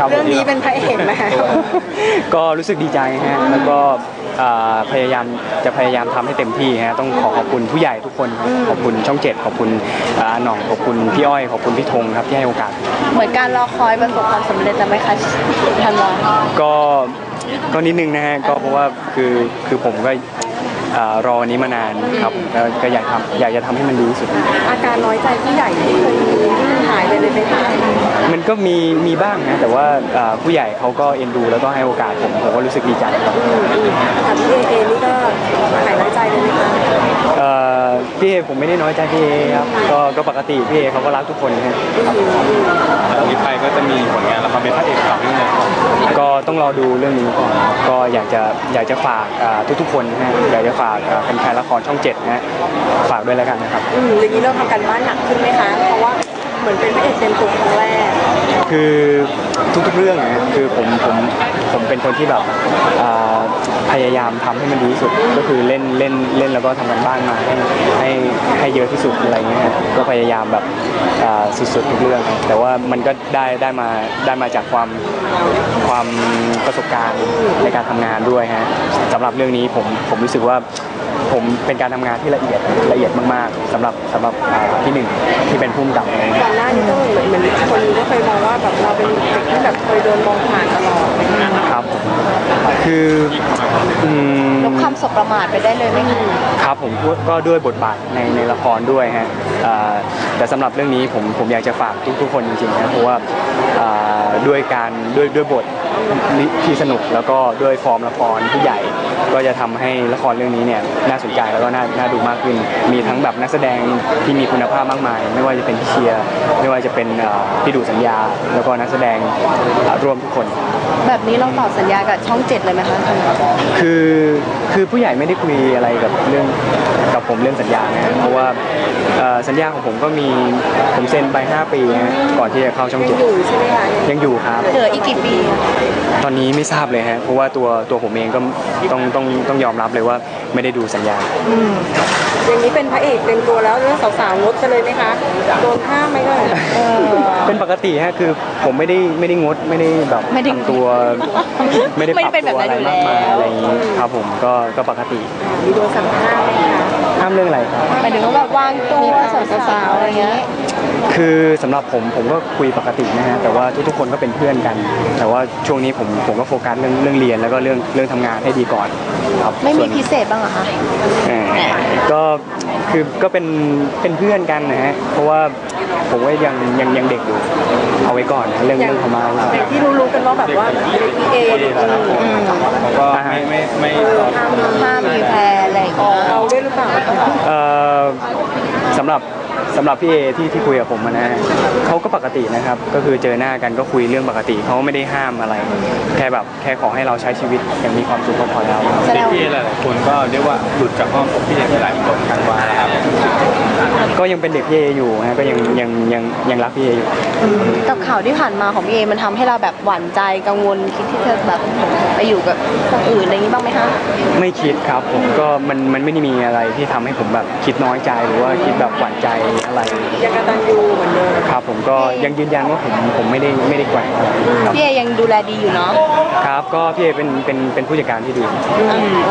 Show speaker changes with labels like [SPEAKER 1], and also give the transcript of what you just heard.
[SPEAKER 1] เรื่องนี้เป็นพระเอกไหม
[SPEAKER 2] ก็รู้สึกดีใจฮะแล้วก็พยายามทำให้เต็มที่ฮะต้องขอบคุณผู้ใหญ่ทุกคนขอบคุณช่อง7ขอบคุณหน่องขอบคุณพี่อ้อยขอบคุณพี่ธงครับที่ให้โอกาส
[SPEAKER 1] เหมือนการรอคอยประสบความสำเร็จแล้วไหมคะทันวา
[SPEAKER 2] ก็นิดนึงนะฮะก็เพราะว่าคือผมก็รอวันนี้มานานครับก็อยากจะทำให้มันดีที่สุด
[SPEAKER 1] อาการน้อยใจผู้ใหญ่ที่เคยมีหายไปเลยไหมคะ
[SPEAKER 2] มันก็มีบ้างนะแต่ว่าผู้ใหญ่เขาก็เอ็นดูแล้วก็ให้โอกาสผมก็รู้สึกดีใจครับ
[SPEAKER 1] ถามพี่เอนี่ก็หายน้อยใจเลยไหมคะ
[SPEAKER 2] พี่เอผมไม่ได้น้อยใจพี่เอครับก็ปกติพี่เอเขาก็รักทุกคนครับ
[SPEAKER 3] จากนี้ไปก็จะมีผลงานละครเป็นพระเอกต่อเนื่อง
[SPEAKER 2] ก็ต้องรอดูเรื่องนี้ก่อนก็อยากจะฝากทุกๆคนนะฮะอยากจะฝากแฟนๆละครช่อง7นะฮะฝากด้วยแล้วกันนะครับ
[SPEAKER 1] อย่างนี้เราทำกันบ้านหนักขึ้นไหมคะเพราะว่าเหมือนเป็นพระเอกเต็มตัวครั้งแรก
[SPEAKER 2] คือทุกๆเรื่องนะคือผมเป็นคนที่แบบพยายามทำให้มันดีที่สุดก็คือเล่นแล้วก็ทำกันบ้านมาให้เยอะที่สุดอะไรเงี้ยก็พยายามแบบสุดๆทุกเรื่องแต่ว่ามันก็ได้มาจากความประสบการณ์ในการทำงานด้วยฮะสำหรับเรื่องนี้ผมรู้สึกว่าผมเป็นการทำงานที่ละเอียดมากๆสำหรับพี่หนึ่งที่เป็นผู้กำกับ
[SPEAKER 1] ก่อนหน้านี้ก็เหมือนคนก็เคยมองว่าแบบเราเป็นเด็กที่แบบเคยโดนมองผ่านตลอด
[SPEAKER 2] ครับคือ
[SPEAKER 1] ลบคำสบประมาทไปได้เลยไหมคะ
[SPEAKER 2] ครับผมก็ด้วยบทบาทในละครด้วยฮะแต่สำหรับเรื่องนี้ผมอยากจะฝากทุกคนจริงๆนะเพราะว่าด้วยบทที่สนุกแล้วก็ด้วยฟอร์มละครที่ใหญ่ก็จะทำให้ละครเรื่องนี้เนี่ยน่าสนใจแล้วก็น่าดูมากขึ้นมีทั้งแบบนักแสดงที่มีคุณภาพมากมายไม่ว่าจะเป็นพี่เชียร์ไม่ว่าจะเป็นพี่ดูสัญญาแล้วก็นักแสดงรวมทุกคน
[SPEAKER 1] แบบนี้เราต่อสัญญากับช่อง7เลยไหมคะ
[SPEAKER 2] คือผู้ใหญ่ไม่ได้คุยอะไรกับผมเรื่องสัญญานะเพราะว่าสัญญาของผมก็มีผมเซ็นไป5 ปีนะก่อนที่จะเข้าช่อง7
[SPEAKER 1] ยังอยู่ใช่ไหมคะ
[SPEAKER 2] ยังอยู่ครับ
[SPEAKER 1] เหลืออีกกี่ปี
[SPEAKER 2] ตอนนี้ไม่ทราบเลยฮะเพราะว่าตัวผมเองก็ต้องยอมรับเลยว่าไม่ได้ดูสัญญา
[SPEAKER 1] อย่างนี้เป็นพระเอกเต็มตัวแล้วเรื่องสาวๆงดกันเลยไหมคะโดนห้ามไหมเลย
[SPEAKER 2] เป็นปกติฮะคือผมไม่ได้งดไม่ได้แบบทำตัวไม่ได้ปรับตัวอะไรมากมายอะไรอย่างนี้ครับผมก็ปกติ
[SPEAKER 1] มีโดนสั่งห้ามไหมคะ
[SPEAKER 2] ห้ามเรื่องอะไรครับ
[SPEAKER 1] หมายถึงว่าแบบวางตัวสาวๆอะไรเงี้ย
[SPEAKER 2] คือสำหรับผมก็คุยปกตินะฮะแต่ว่าทุกๆคนก็เป็นเพื่อนกันแต่ว่าช่วงนี้ผมก็โฟกัสเรื่องเรียนแล้วก็เรื่องทำงานให้ดีก่อนครับ
[SPEAKER 1] ไม่มีพิเศษบ้างเหรอคะ
[SPEAKER 2] ก็คือก็เป็นเพื่อนกันนะฮะเพราะว่าผมว่ายังเด็กอยู่เอาไว้ก่อนเรื่องธรรมะ
[SPEAKER 1] ที่รู้กันว่าแบบว่าเอ
[SPEAKER 3] ก็ไม่
[SPEAKER 1] ห้ามมีแพรอะไรเราด้วยหรือเปล่า
[SPEAKER 2] สำหรับพี่เอที่คุยกับผมนะเขาก็ปกตินะครับก็คือเจอหน้ากันก็คุยเรื่องปกติเขาไม่ได้ห้ามอะไรแค่ขอให้เราใช้ชีวิตอย่างมีความสุขก็พอแล้ว
[SPEAKER 3] เด็กพี่เอหลายคนก็เรียกว่าหลุดจากห้องพี่เอหลายคนทันวาครับ
[SPEAKER 2] ก็ยังเป็นเด็กพี่เออยู่นะก็ยังรักพี่เออยู่
[SPEAKER 1] กับข่าวที่ผ่านมาของพี่เอมันทำให้เราแบบหวั่นใจกังวลคิดที่จะแบบไปอยู่กับคนอื่นอะไรอย่างนี้บ้างไหมคะ
[SPEAKER 2] ไม่คิดครับผมก็มันไม่ได้มีอะไรที่ทำให้ผมแบบคิดน้อยใจหรือว่าคิดแบบหวั่นใจอะไร
[SPEAKER 1] ยังกตัญญูเหมือนเดิม
[SPEAKER 2] ครับผมก็ยังยืนยันว่าผมไม่ได้แกว่ง
[SPEAKER 1] พี่เอยังดูแลดีอยู่เนาะ
[SPEAKER 2] ครับก็พี่เอเป็นผู้จัดการที่ดี